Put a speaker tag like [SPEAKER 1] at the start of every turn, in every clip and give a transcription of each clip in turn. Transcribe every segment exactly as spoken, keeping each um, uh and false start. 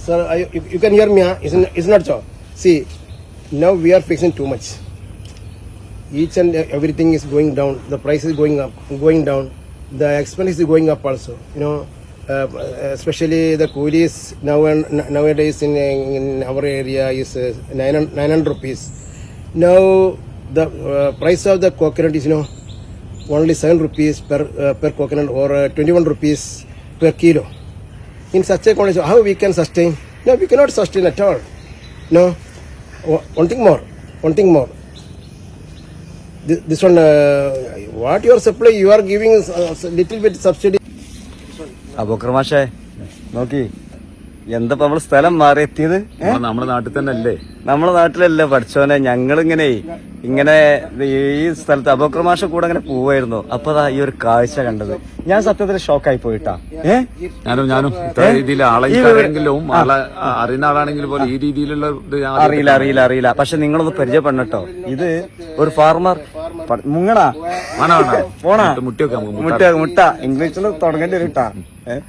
[SPEAKER 1] Sir, I, you, you can hear me, huh? It's, it's not so. See, now we are fixing too much. Each and everything is going down. The price is going up, going down. The expense is going up also. You know, uh, especially the coolies now and nowadays in, in our area is uh, nine hundred rupees. Now the uh, price of the coconut is, you know, only seven rupees per uh, per coconut, or uh, twenty-one rupees per kilo. In such a condition, how we can sustain? No, we cannot sustain at all. No. One thing more. One thing more. This, this one, uh, what your supply, you are giving a little bit subsidy.
[SPEAKER 2] Aboobacker മാഷേ നോക്കി എന്താ നമ്മള് സ്ഥലം മാറി എത്തിയത്?
[SPEAKER 3] നമ്മുടെ നാട്ടിൽ തന്നെ അല്ലേ?
[SPEAKER 2] നമ്മുടെ നാട്ടിലല്ലേ പഠിച്ചോനെ. ഞങ്ങളിങ്ങനെ ഇങ്ങനെ ഈ സ്ഥലത്ത് അബൂക്കർ മാഷ കൂടെ അങ്ങനെ പോവായിരുന്നു. അപ്പൊ ഈ ഒരു കാഴ്ച കണ്ടത് ഞാൻ സത്യത്തിൽ ഷോക്കായി പോയിട്ടാ. ഏഹ്
[SPEAKER 3] ഞാനും ഞാനും ഇത്ര രീതിയിൽ ആളെങ്കിലും ആളെ അറിയുന്ന ആളാണെങ്കിലും പോലും ഈ രീതിയിലുള്ള
[SPEAKER 2] അറിയില്ല അറിയില്ല അറിയില്ല പക്ഷെ നിങ്ങളൊന്ന് പരിചയപ്പെടണട്ടോ. ഇത് ഒരു ഫാർമർ മുങ്ങണാ പോണാ
[SPEAKER 3] മുട്ടിയൊക്കെ
[SPEAKER 2] മുട്ട മുട്ട ഇംഗ്ലീഷിൽ തുടങ്ങേണ്ടി വരും കേട്ടാ.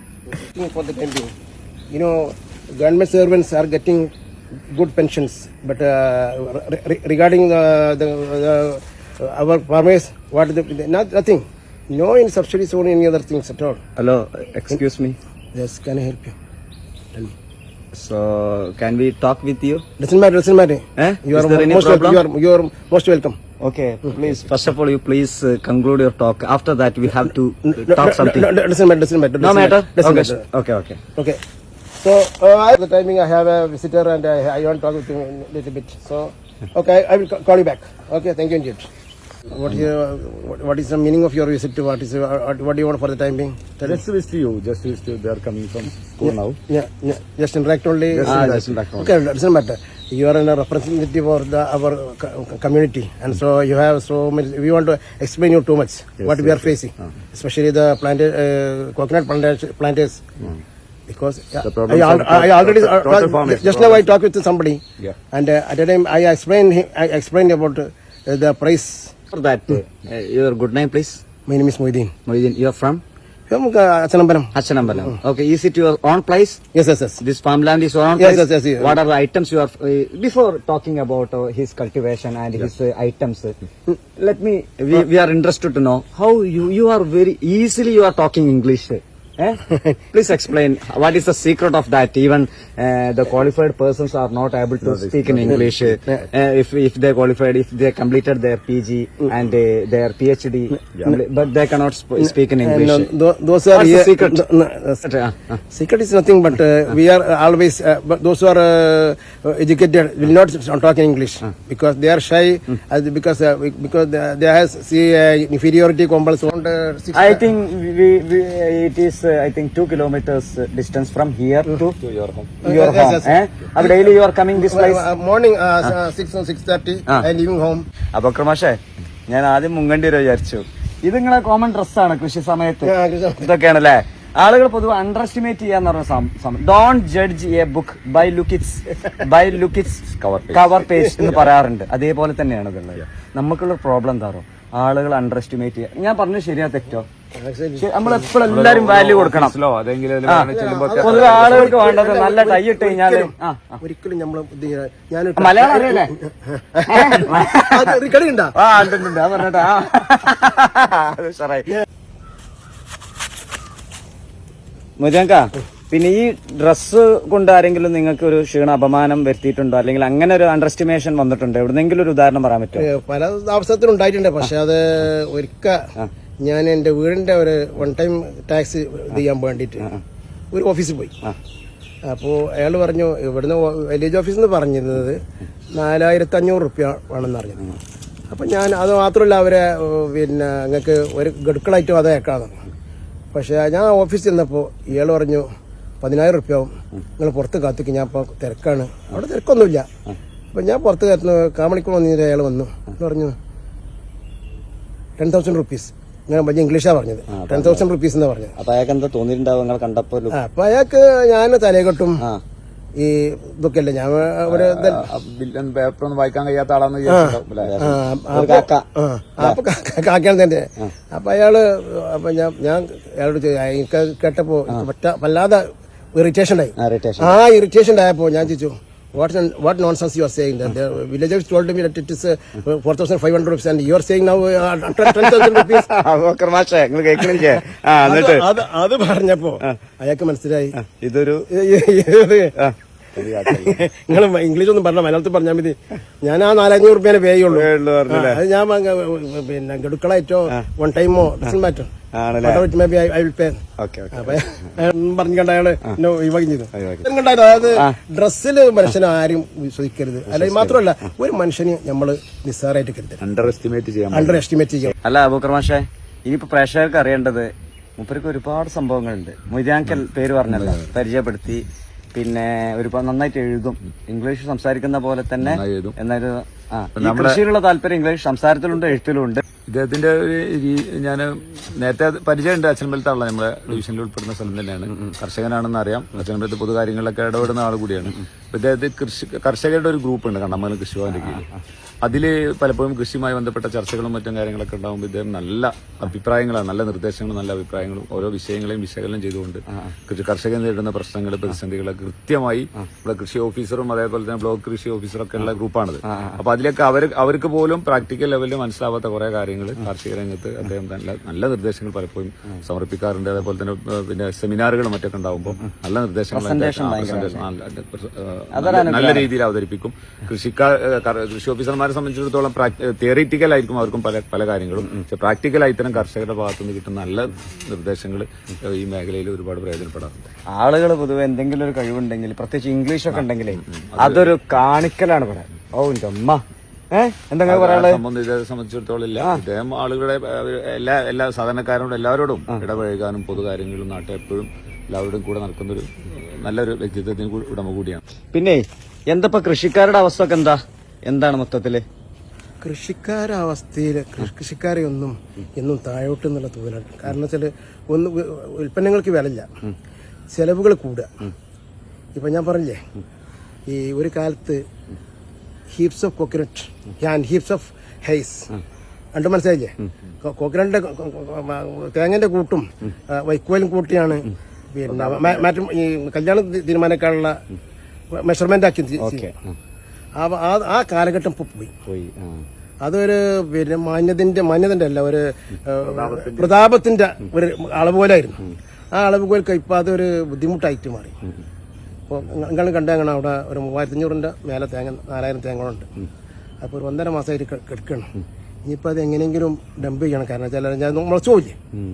[SPEAKER 1] You know, government servants are getting good pensions, but uh, re- regarding uh, the, the uh, our farmers, what the, not, nothing, no in subsidies or any other things at all.
[SPEAKER 2] Hello, excuse me.
[SPEAKER 1] Yes, can I help you? Tell me.
[SPEAKER 2] So, can we talk with you?
[SPEAKER 1] Doesn't matter, doesn't matter.
[SPEAKER 2] Eh?
[SPEAKER 1] You
[SPEAKER 2] Is
[SPEAKER 1] are
[SPEAKER 2] there any
[SPEAKER 1] most
[SPEAKER 2] problem?
[SPEAKER 1] welcome. You are you are most welcome.
[SPEAKER 2] Okay, please. First of all, you please uh, conclude your talk. After that, we have to uh, talk something.
[SPEAKER 1] No, no, doesn't matter, doesn't matter.
[SPEAKER 2] No matter.
[SPEAKER 1] Doesn't
[SPEAKER 2] Okay,
[SPEAKER 1] matter.
[SPEAKER 2] okay, okay.
[SPEAKER 1] Okay. So, uh, at the timing I have a visitor and I, I want to talk with him a little bit. So, okay, I will ca- call you back. Okay, thank you indeed. What is, uh, what, what is the meaning of your visit? What is uh, what do you want for the time being? Tell
[SPEAKER 3] Just
[SPEAKER 1] me.
[SPEAKER 3] wish to you, just wish to you. They are coming from school now.
[SPEAKER 1] Yeah, yeah, just interact only.
[SPEAKER 3] Just
[SPEAKER 2] Ah,
[SPEAKER 3] interact.
[SPEAKER 2] just back home.
[SPEAKER 1] Okay, doesn't matter. You are a representative of the our co- community, and so you have so many. We want to explain you too much
[SPEAKER 3] Yes,
[SPEAKER 1] what we
[SPEAKER 3] yes,
[SPEAKER 1] are facing, especially the plant uh, coconut planters. planters. Because yeah,
[SPEAKER 3] The problem
[SPEAKER 1] I, al-
[SPEAKER 3] of
[SPEAKER 1] I already
[SPEAKER 3] total-
[SPEAKER 1] uh,
[SPEAKER 3] total farm is
[SPEAKER 1] just now I talked with somebody,
[SPEAKER 3] Yeah.
[SPEAKER 1] and uh, at a time I explained him, I explained about uh, the price.
[SPEAKER 2] For that, uh, your good name, please.
[SPEAKER 1] My name is Moideen.
[SPEAKER 2] Moideen, you are from
[SPEAKER 1] From uh, Achanambaram.
[SPEAKER 2] Achanambalam. Okay, is it your own place?
[SPEAKER 1] Yes, yes, yes.
[SPEAKER 2] This farmland is your own
[SPEAKER 1] Yes,
[SPEAKER 2] place?
[SPEAKER 1] yes, yes, yes.
[SPEAKER 2] What are the items you are... Uh, before talking about uh, his cultivation and his uh, items, uh, let me... We, we are interested to know how you, you are very easily you are talking English. Eh? Please explain what is the secret of that. Even uh, the qualified persons are not able to speak in English. Uh, if if they qualified, if they completed their P G and uh, their P H D, compli- but they cannot sp- speak in English.
[SPEAKER 1] And, uh, tho- those are
[SPEAKER 2] What's the
[SPEAKER 1] here-
[SPEAKER 2] secret?
[SPEAKER 1] th- no, uh,
[SPEAKER 2] Uh, uh.
[SPEAKER 1] secret is nothing, but uh, we are uh, always. Uh, but those who are uh, educated will not talk in English because they are shy. Uh, because uh, because they, they have see uh, inferiority complex. Around, uh, six,
[SPEAKER 2] I think we, we, it is uh, I think two kilometers uh, distance from here to,
[SPEAKER 3] To your home.
[SPEAKER 2] your
[SPEAKER 1] Yes,
[SPEAKER 2] home.
[SPEAKER 1] yes,
[SPEAKER 2] Eh? Ab daily you are coming this place.
[SPEAKER 1] Uh, morning uh, uh, six or six thirty.
[SPEAKER 2] Ah.
[SPEAKER 1] I leaving home.
[SPEAKER 2] Aboobacker മാഷേ ഞാൻ ആദ്യം മുങ്ങണ്ടി വരെ വിചാരിച്ചു. ഇത് നിങ്ങളെ common ഡ്രസ്സാണ് കൃഷി സമയത്ത്.
[SPEAKER 1] Yeah, Krishna.
[SPEAKER 2] ഇതൊക്കെയാണല്ലേ ആളുകൾ പൊതുവെ അണ്ടർ എസ്റ്റിമേറ്റ് ചെയ്യാന്ന് പറഞ്ഞ സമയം. Don't judge a book by look it's by look it's
[SPEAKER 3] Cover page.
[SPEAKER 2] Cover page എന്ന് പറയാറുണ്ട്. അതേപോലെ തന്നെയാണ് ഇതുള്ളത്. നമുക്കുള്ള പ്രോബ്ലം എന്താണോ ആളുകൾ അണ്ടർ എസ്റ്റിമേറ്റ് ചെയ്യുക. ഞാൻ പറഞ്ഞത് ശരിയാ തെറ്റോ? നമ്മൾ എപ്പോഴും എല്ലാരും വാല്യൂ കൊടുക്കണം.
[SPEAKER 3] ഓഫീസിലോ അതെങ്കിലും
[SPEAKER 2] ആ. പൊതുവെ ആളുകൾക്ക് വേണ്ടത് നല്ല ടൈ ഇട്ട് കഴിഞ്ഞാല് ആ, ആ.
[SPEAKER 1] ഒരിക്കലും നമ്മൾ ഞാൻ
[SPEAKER 2] മലയാളം അറിയല്ലേ?
[SPEAKER 1] കളി ഉണ്ടാ
[SPEAKER 2] ആ ഉണ്ട് ഉണ്ട്, ഉണ്ട്. ആ പറഞ്ഞിട്ടാ അത് ഉഷാറായി. മുജാങ്ക, പിന്നെ ഈ ഡ്രസ്സ് കൊണ്ട് ആരെങ്കിലും നിങ്ങൾക്ക് ഒരു ക്ഷീണ അപമാനം വരുത്തിയിട്ടുണ്ടോ, അല്ലെങ്കിൽ അങ്ങനെ ഒരു അണ്ടർ എസ്റ്റിമേഷൻ വന്നിട്ടുണ്ടോ? എവിടെന്നെങ്കിലും ഒരു ഉദാഹരണം പറയാൻ പറ്റുമോ?
[SPEAKER 1] പല അവസരത്തിലും ഉണ്ടായിട്ടുണ്ട്. പക്ഷെ അത് ഒരിക്കൽ ഞാൻ എന്റെ വീടിന്റെ ഒരു വൺ ടൈം ടാക്സ് ഇത് ചെയ്യാൻ വേണ്ടിയിട്ട് ഒരു ഓഫീസിൽ പോയി. അപ്പോൾ അയാൾ പറഞ്ഞു ഇവിടുന്ന് വില്ലേജ് ഓഫീസിൽ നിന്ന് പറഞ്ഞിരുന്നത് നാലായിരത്തി അഞ്ഞൂറ് റുപ്യ വേണമെന്ന് അറിഞ്ഞത്. അപ്പം ഞാൻ അത് മാത്രമല്ല അവരെ പിന്നെ നിങ്ങൾക്ക് ഒരു ഗഡുക്കളായിട്ടും അത് അയക്കാമെന്ന്. പക്ഷേ ഞാൻ ഓഫീസിൽ ചെന്നപ്പോൾ ഇയാൾ പറഞ്ഞു പതിനായിരം റുപ്യ ആവും, നിങ്ങൾ പുറത്ത് കാത്തിക്ക്, ഞാൻ ഇപ്പോൾ തിരക്കാണ്. അവിടെ തിരക്കൊന്നുമില്ല. അപ്പം ഞാൻ പുറത്ത് കയറ്റുന്നു. കാമണിക്കൂർ വന്നിട്ട് അയാൾ വന്നു പറഞ്ഞു ടെൻ തൗസൻഡ് റുപ്പീസ്. ഞാൻ വലിയ ഇംഗ്ലീഷാണ് പറഞ്ഞത്. ടെൻ തൗസൻഡ് റുപ്പീസ് എന്നാണ് പറഞ്ഞത്.
[SPEAKER 2] അപ്പൊ അയാൾക്ക് എന്താ തോന്നിയിട്ടുണ്ടാവും നിങ്ങൾ കണ്ടപ്പോ?
[SPEAKER 1] അപ്പൊ അയാൾക്ക് ഞാൻ തലയെക്കെട്ടും ഈ ഇതൊക്കെ അല്ലേ ഞാൻ ഒരു
[SPEAKER 3] പേപ്പറൊന്നും വായിക്കാൻ കഴിയാത്ത ആളാന്ന്
[SPEAKER 1] അപ്പൊ കാക്കാൻ തന്നെ. അപ്പൊ അയാള് അപ്പൊ ഞാൻ ഞാൻ അയാളോട് എനിക്ക് കേട്ടപ്പോ പറ്റാ വല്ലാതെ ഇറിറ്റേഷൻ ആയി.
[SPEAKER 2] irritation.
[SPEAKER 1] ആ ഇറിറ്റേഷൻ ആയപ്പോൾ ഞാൻ ചോദിച്ചു what what nonsense you are saying, that the villagers told me that it is uh, four thousand five hundred rupees and you are saying now uh, ten thousand rupees.
[SPEAKER 2] Abubakar മാഷേ നിങ്ങൾ കേൾക്കണില്ലേ? ആ എന്നിട്ട്
[SPEAKER 1] അത് അത് പറഞ്ഞപ്പോ അയാൾക്ക് മനസ്സിലായി
[SPEAKER 2] ഇതൊരു
[SPEAKER 1] നിങ്ങൾ ഇംഗ്ലീഷ് ഒന്നും പറഞ്ഞ മലയാളത്തിൽ പറഞ്ഞാൽ മതി, ഞാൻ ആ നാലഞ്ഞൂറ് റുപ്യേനെ പേ ചെയ്യുള്ളൂ.
[SPEAKER 2] ഉള്ളൂ പറഞ്ഞില്ലേ?
[SPEAKER 1] അത് ഞാൻ വാങ്ങ- പിന്നെ ഗഡുക്കളായിട്ടോ വൺ ടൈമോ ഡസൻ മാറ്റോ
[SPEAKER 2] ആണല്ലേ?
[SPEAKER 1] പറഞ്ഞിട്ട് അയാള് എന്നെ ഒഴിവാക്കി ചെയ്തു. കണ്ടായിരുന്നു, അതായത് ഡ്രസ്സിൽ മനുഷ്യനെ ആരും വിശ്വസിക്കരുത്. അല്ലെങ്കിൽ മാത്രമല്ല ഒരു മനുഷ്യന് നമ്മള് നിസ്സാരമായിട്ട് കരുതരുത്,
[SPEAKER 3] അണ്ടർ എസ്റ്റിമേറ്റ് ചെയ്യാൻ
[SPEAKER 1] അണ്ടർ എസ്റ്റിമേറ്റ് ചെയ്യാം.
[SPEAKER 2] അല്ല അബൂബക്കർ മാഷേ, ഇനിയിപ്പോ പ്രേക്ഷകർക്ക് അറിയേണ്ടത് മൂപ്പർക്ക് ഒരുപാട് സംഭവങ്ങളുണ്ട്. മൊയ്താങ്കൽ പേര് പറഞ്ഞല്ലോ, പരിചയപ്പെടുത്തി. പിന്നെ ഒരുപാട് നന്നായിട്ട് എഴുതും, ഇംഗ്ലീഷ് സംസാരിക്കുന്ന പോലെ തന്നെ.
[SPEAKER 3] എഴുതും.
[SPEAKER 2] എന്നാലും ആ ഈ കൃഷിയിലുള്ള താല്പര്യം ഇംഗ്ലീഷ് സംസാരത്തിലുണ്ട്, എഴുത്തിലുണ്ട്.
[SPEAKER 3] ഇദ്ദേഹത്തിന്റെ ഒരു ഞാൻ നേരത്തെ പരിചയമുണ്ട്. അച്ഛനമ്പലത്താണല്ലോ നമ്മുടെ ഡിവിഷനിൽ ഉൾപ്പെടുന്ന സ്ഥലം തന്നെയാണ്. കർഷകനാണെന്ന് അറിയാം. അച്ഛനമ്പലത്ത് പൊതുകാര്യങ്ങളിലൊക്കെ ഇടപെടുന്ന ആൾ കൂടിയാണ്. ഇദ്ദേഹത്തെ കൃഷി കർഷകരുടെ ഒരു ഗ്രൂപ്പ് ഉണ്ട് കണ്ണമംഗലം കൃഷിഭവന്റെ കീഴിൽ. അതില് പലപ്പോഴും കൃഷിയുമായി ബന്ധപ്പെട്ട ചർച്ചകളും മറ്റും കാര്യങ്ങളൊക്കെ ഉണ്ടാകുമ്പോൾ ഇദ്ദേഹം നല്ല അഭിപ്രായങ്ങളാണ്, നല്ല നിർദ്ദേശങ്ങളും നല്ല അഭിപ്രായങ്ങളും ഓരോ വിഷയങ്ങളെയും വിശകലനം ചെയ്തുകൊണ്ട് കൃഷി കർഷകർ നേരിടുന്ന പ്രശ്നങ്ങൾ, പ്രതിസന്ധികളൊക്കെ കൃത്യമായി ഇവിടെ കൃഷി ഓഫീസറും അതേപോലെ തന്നെ ബ്ലോക്ക് കൃഷി ഓഫീസറൊക്കെ ഉള്ള ഗ്രൂപ്പാണിത്. അപ്പൊ അതിലൊക്കെ അവർ അവർക്ക് പോലും പ്രാക്ടിക്കൽ ലെവലിൽ മനസ്സിലാവാത്ത കുറെ കാര്യങ്ങൾ കാർഷിക രംഗത്ത് അദ്ദേഹം നല്ല നല്ല നിർദ്ദേശങ്ങൾ പലപ്പോഴും സമർപ്പിക്കാറുണ്ട്. അതേപോലെ തന്നെ പിന്നെ സെമിനാറുകളും മറ്റൊക്കെ ഉണ്ടാകുമ്പോൾ നല്ല നിർദ്ദേശങ്ങൾ നല്ല രീതിയിൽ അവതരിപ്പിക്കും. കൃഷിക്കാർ കൃഷി ഓഫീസർമാരെ സംബന്ധിച്ചിടത്തോളം തിയറിറ്റിക്കൽ ആയിരിക്കും അവർക്കും പല പല കാര്യങ്ങളും. പക്ഷെ പ്രാക്ടിക്കലായി ഇത്തരം കർഷകരുടെ ഭാഗത്തു നിന്ന് കിട്ടുന്ന നല്ല നിർദ്ദേശങ്ങൾ ഈ മേഖലയിൽ ഒരുപാട് പ്രയോജനപ്പെടാറുണ്ട്.
[SPEAKER 2] ആളുകൾ പൊതുവെ എന്തെങ്കിലും ഒരു കഴിവുണ്ടെങ്കിൽ, പ്രത്യേകിച്ച് ഇംഗ്ലീഷ് ഒക്കെ ഉണ്ടെങ്കിലേ അതൊരു കാണിക്കലാണ് പറയാൻ. ഓ എന്റെ അമ്മ ഏഹ് എന്തെങ്കിലും പറയാനുള്ളത്
[SPEAKER 3] ഇദ്ദേഹത്തെ സംബന്ധിച്ചിടത്തോളം ഇല്ല. ഇദ്ദേഹം ആളുകളുടെ എല്ലാ എല്ലാ സാധാരണക്കാരോടും എല്ലാവരോടും ഇടപഴകാനും പൊതുകാര്യങ്ങളും നാട്ടിൽ എപ്പോഴും എല്ലാവരുടെയും കൂടെ നടക്കുന്നൊരു നല്ലൊരു വ്യക്തിത്വത്തിന് ഉടമ കൂടിയാണ്.
[SPEAKER 2] പിന്നെ എന്തപ്പോ കൃഷിക്കാരുടെ അവസ്ഥ ഒക്കെ എന്താ എന്താണ് മൊത്തത്തില്?
[SPEAKER 1] കൃഷിക്കാരുടെ അവസ്ഥയിൽ കൃഷിക്കാരെ ഒന്നും എന്നും താഴോട്ട് എന്നുള്ള തോന്നലാണ്. കാരണം വെച്ചാല് ഒന്ന് ഉൽപ്പന്നങ്ങൾക്ക് വിലയില്ല, ചെലവുകൾ കൂടുക. ഇപ്പൊ ഞാൻ പറഞ്ഞില്ലേ, ഈ ഒരു കാലത്ത് heaps of coconut and heaps of hays രണ്ടും മനസ്സിലായില്ലേ? കോക്കനട്ടിന്റെ തേങ്ങന്റെ കൂട്ടും വൈക്കോലും കൂട്ടിയാണ് പിന്നെ മാറ്റം ഈ കല്യാണം തീരുമാനിക്കാനുള്ള മെഷർമെന്റ് ആക്കി. ആ കാലഘട്ടം ഇപ്പൊ പോയി. അതൊരു പിന്നെ മാന്യതിന്റെ മാന്യതന്റെ അല്ല, ഒരു പ്രതാപത്തിന്റെ ഒരു അളവുപോലായിരുന്നു. ആ അളവുകൾക്ക് ഇപ്പൊ അതൊരു ബുദ്ധിമുട്ടായിട്ട് മാറി. ഇപ്പോൾ നിങ്ങൾ കണ്ടാൽ അവിടെ ഒരു മൂവായിരത്തി അഞ്ഞൂറിന്റെ മേലെ തേങ്ങ നാലായിരം തേങ്ങകളുണ്ട്. അപ്പോൾ ഒരു ഒന്നര മാസമായിട്ട് കിടക്കണം. ഇനിയിപ്പോൾ അത് എങ്ങനെയെങ്കിലും ഡംപ് ചെയ്യണം. കാരണം വെച്ചാൽ ഞാൻ മുളച്ചു പോയില്ലേ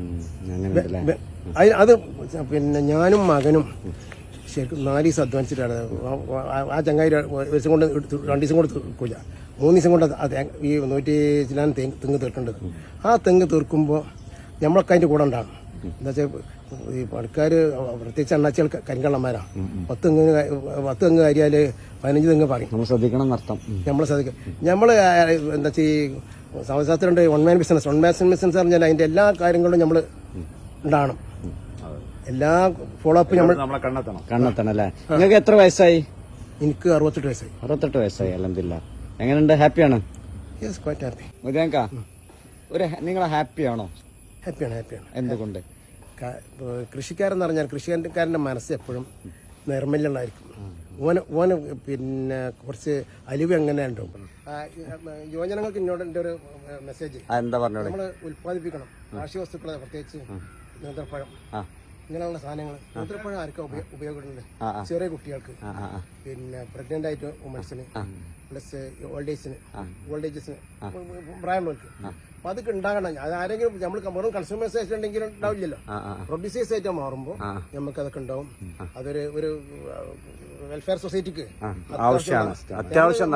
[SPEAKER 1] അത്. പിന്നെ ഞാനും മകനും ശരിക്കും നാല് ദിവസം അധ്വാനിച്ചിട്ടാണ് ആ ചങ്ങായി ഒരു ദിവസം കൊണ്ട് രണ്ട് ദിവസം കൊണ്ട് തീർക്കില്ല, മൂന്ന് ദിവസം കൊണ്ട് ആ തേങ്ങ ഈ നൂറ്റി ചിലാൻ തെങ്ങ് തീർക്കേണ്ടത്. ആ തെങ്ങ് തീർക്കുമ്പോൾ നമ്മളൊക്കെ അതിൻ്റെ കൂടെ ഉണ്ടാകും. എന്താ വെച്ചാൽ ഈ പണിക്കാർ പ്രത്യേകിച്ച് അണ്ണാച്ചികൾ കരിങ്കള്ളന്മാരാണ്. പത്ത് തെങ്ങ് പത്ത് തെങ്ങ് കാര്യാൽ പതിനഞ്ച് തെങ്ങ് പറയും.
[SPEAKER 2] നമ്മൾ ശ്രദ്ധിക്കണം എന്നർത്ഥം.
[SPEAKER 1] നമ്മൾ ശ്രദ്ധിക്കും. നമ്മൾ എന്താ വെച്ചാൽ ഈ സമയശാസ്ത്രമുണ്ട് one man business. One man business പറഞ്ഞാൽ അതിൻ്റെ എല്ലാ കാര്യങ്ങളും നമ്മൾ ഉണ്ടാകണം. എല്ലാ ഫോളോ അപ്പ് നമ്മൾ
[SPEAKER 2] കണ്ടെത്തണം കണ്ടെത്തണം അല്ലേ? നിങ്ങൾക്ക് എത്ര വയസ്സായി?
[SPEAKER 1] എനിക്ക് അറുപത്തെട്ട് വയസ്സായി.
[SPEAKER 2] അറുപത്തെട്ട് വയസ്സായി. അൽഹംദുലില്ലാ. എങ്ങനെയുണ്ട്? ഹാപ്പിയാണ്?
[SPEAKER 1] Yes, quite happy.
[SPEAKER 2] മുദിയാങ്ക ഒരു നിങ്ങൾ ഹാപ്പിയാണോ?
[SPEAKER 1] ഹാപ്പിയാണ്. ഹാപ്പിയാണ്.
[SPEAKER 2] എന്തുകൊണ്ട്?
[SPEAKER 1] കൃഷിക്കാരെന്ന് പറഞ്ഞാൽ കൃഷിക്കാരൻ്റെ മനസ്സ് എപ്പോഴും നിർമ്മല്യമായിരിക്കും. ഓന് ഓന് പിന്നെ കുറച്ച് അലിവ് എങ്ങനെ ഉണ്ടാവും. യുവജനങ്ങൾക്ക് ഇന്നോട് എൻ്റെ ഒരു മെസ്സേജ്
[SPEAKER 2] എന്താ പറഞ്ഞത്?
[SPEAKER 1] നമ്മൾ ഉൽപ്പാദിപ്പിക്കണം കാർഷിക വസ്തുക്കളെ, പ്രത്യേകിച്ച് നേന്ത്രപ്പഴം ഇങ്ങനെയുള്ള സാധനങ്ങൾ. നേന്ത്രപ്പഴം ആർക്കും ഉപയോഗമുണ്ട്? ചെറിയ കുട്ടികൾക്ക്, പിന്നെ പ്രഗ്നന്റ് ആയിട്ട് വുമൻസിന്, പ്ലസ് ഓൾഡ് ഏജിന് ഓൾഡ് ഏജസിന് പ്രായമുള്ളവർക്ക്. അപ്പൊ അതൊക്കെ ഉണ്ടാകണം. അത് ആരെങ്കിലും നമ്മൾ വെറും കൺസ്യൂമേഴ്സ് ആയിട്ട് ഉണ്ടെങ്കിലും ഉണ്ടാവില്ലല്ലോ. പ്രൊഡ്യൂസേഴ്സ് ആയിട്ട് മാറുമ്പോൾ നമുക്ക് അതൊക്കെ ഉണ്ടാവും. അതൊരു ഒരു വെൽഫെയർ സൊസൈറ്റിക്ക്
[SPEAKER 2] ആവശ്യമാണ്, അത്യാവശ്യം.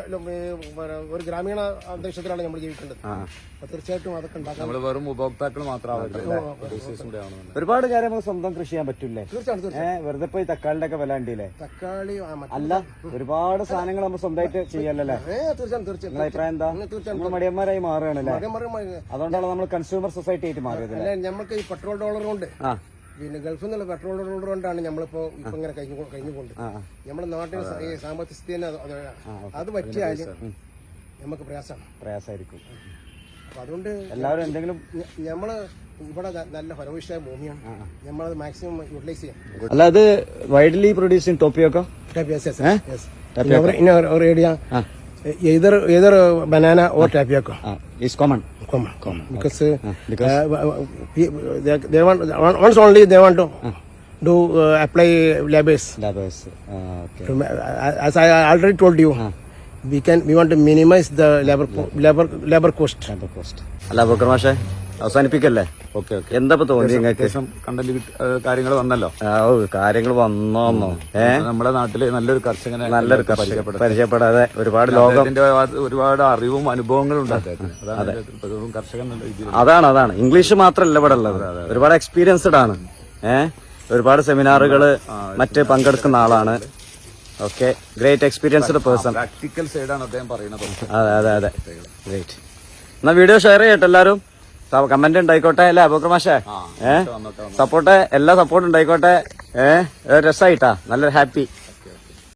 [SPEAKER 1] ഒരു ഗ്രാമീണ അന്തരീക്ഷത്തിലാണ് നമ്മൾ ജീവിക്കേണ്ടത്. അപ്പൊ തീർച്ചയായിട്ടും അതൊക്കെ ഉണ്ടാക്കാം.
[SPEAKER 3] നമ്മൾ വെറും ഉപഭോക്താക്കൾ മാത്രമാവരുത്.
[SPEAKER 2] ഒരുപാട് കാര്യം നമുക്ക് സ്വന്തം കൃഷി ചെയ്യാൻ പറ്റൂലേ?
[SPEAKER 1] തീർച്ചയായിട്ടും.
[SPEAKER 2] വെറുതെ പോയി തക്കാളിന്റെ ഒക്കെ വില ഉണ്ടല്ലേ?
[SPEAKER 1] തക്കാളി
[SPEAKER 2] അല്ല, ഒരുപാട് സാധനങ്ങൾ നമ്മൾ സ്വന്തമായിട്ട് ചെയ്യല്ലേ?
[SPEAKER 1] തീർച്ചയായും തീർച്ചയായും.
[SPEAKER 2] അഭിപ്രായം എന്താ? നമ്മൾ മടിയന്മാരായി മാറുകയാണല്ലേ? അതുകൊണ്ടാണ് നമ്മൾ കൺസ്യൂമർ സൊസൈറ്റി ആയിട്ട് മാറിയത്.
[SPEAKER 1] അല്ലെ, നമുക്ക് ഈ പെട്രോൾ ഡോളർ കൊണ്ട് പിന്നെ ഗൾഫിൽ നിന്നുള്ള പെട്രോൾ ഡോളർ കൊണ്ടാണ് നമ്മളിപ്പോ ഇപ്പൊ ഇങ്ങനെ കഴിഞ്ഞു കഴിഞ്ഞുകൊണ്ട് നമ്മുടെ നാട്ടിൽ ഈ സാമ്പത്തിക സ്ഥിതി അത് പറ്റിയാലും നമുക്ക് പ്രയാസമാണ്
[SPEAKER 2] പ്രയാസമായിരിക്കും.
[SPEAKER 1] അപ്പൊ അതുകൊണ്ട്
[SPEAKER 2] എല്ലാവരും എന്തെങ്കിലും
[SPEAKER 1] നമ്മള് ഇവിടെ ന- നല്ല ഫലഭൂയിഷ്ഠമായ ഭൂമിയാണ്. നമ്മളത് മാക്സിമം യൂട്ടിലൈസ് ചെയ്യാം.
[SPEAKER 2] അല്ല അത് widely produce in tapioca
[SPEAKER 1] Yes, yes,
[SPEAKER 2] Eh?
[SPEAKER 1] yes. In our, in our, our area,
[SPEAKER 2] Ah.
[SPEAKER 1] either either banana or tapioca.
[SPEAKER 2] Is common
[SPEAKER 1] Common, common. Because, uh,
[SPEAKER 2] because-
[SPEAKER 1] uh, pe- they, they want once only they want to do uh, apply labors.
[SPEAKER 2] Labours okay
[SPEAKER 1] To ma- As I already told you, we can we want to minimize the labor co- labor labor cost.
[SPEAKER 2] Labour cost അല്ല ബക്കർ മാഷെ അവസാനിപ്പിക്കല്ലേ
[SPEAKER 3] okay okay
[SPEAKER 2] എന്താ ഇപ്പൊ തോന്നി നിങ്ങൾക്ക്
[SPEAKER 3] അത്യാവശ്യം content കാര്യങ്ങൾ വന്നല്ലോ.
[SPEAKER 2] ആ, ഓ കാര്യങ്ങൾ വന്നോന്നോ ഏ
[SPEAKER 3] നമ്മുടെ നാട്ടില് നല്ലൊരു കർഷകനെ
[SPEAKER 2] നല്ലൊരു കർഷകൻ
[SPEAKER 3] പരിചയപ്പെടും.
[SPEAKER 2] പരിചയപ്പെടാതെ ഒരുപാട് ലോകം
[SPEAKER 3] അദ്ദേഹത്തിന്റെ ഒരുപാട് അറിവും അനുഭവങ്ങളും ഉണ്ട് അദ്ദേഹത്തിന്. അതാണ് അദ്ദേഹത്തിന് ഇപ്പൊ വെറും കർഷകൻ എന്നുള്ള രീതിയിൽ.
[SPEAKER 2] അതാണ് അതാണ് ഇംഗ്ലീഷ് മാത്രമല്ല ഇവിടെ ഉള്ളത്, ഒരുപാട് എക്സ്പീരിയൻസ്ഡ് ആണ്. ഏഹ് ഒരുപാട് സെമിനാറുകള് മറ്റ് പങ്കെടുക്കുന്ന ആളാണ്. Okay, great experienced person.
[SPEAKER 3] Practical സൈഡാണ് അദ്ദേഹം പറയുന്നത്.
[SPEAKER 2] അതെ അതെ അതെ ഗ്രേറ്റ്. എന്നാ വീഡിയോ ഷെയർ ചെയ്യട്ടെ എല്ലാരും, കമന്റ് ഉണ്ടായിക്കോട്ടെ അല്ലേ അബൂബക്കർ മാഷേ? ഏഹ് സപ്പോർട്ട് എല്ലാ സപ്പോർട്ട് ഉണ്ടായിക്കോട്ടെ. ഏഹ് രസമായിട്ടാ, നല്ലൊരു ഹാപ്പി.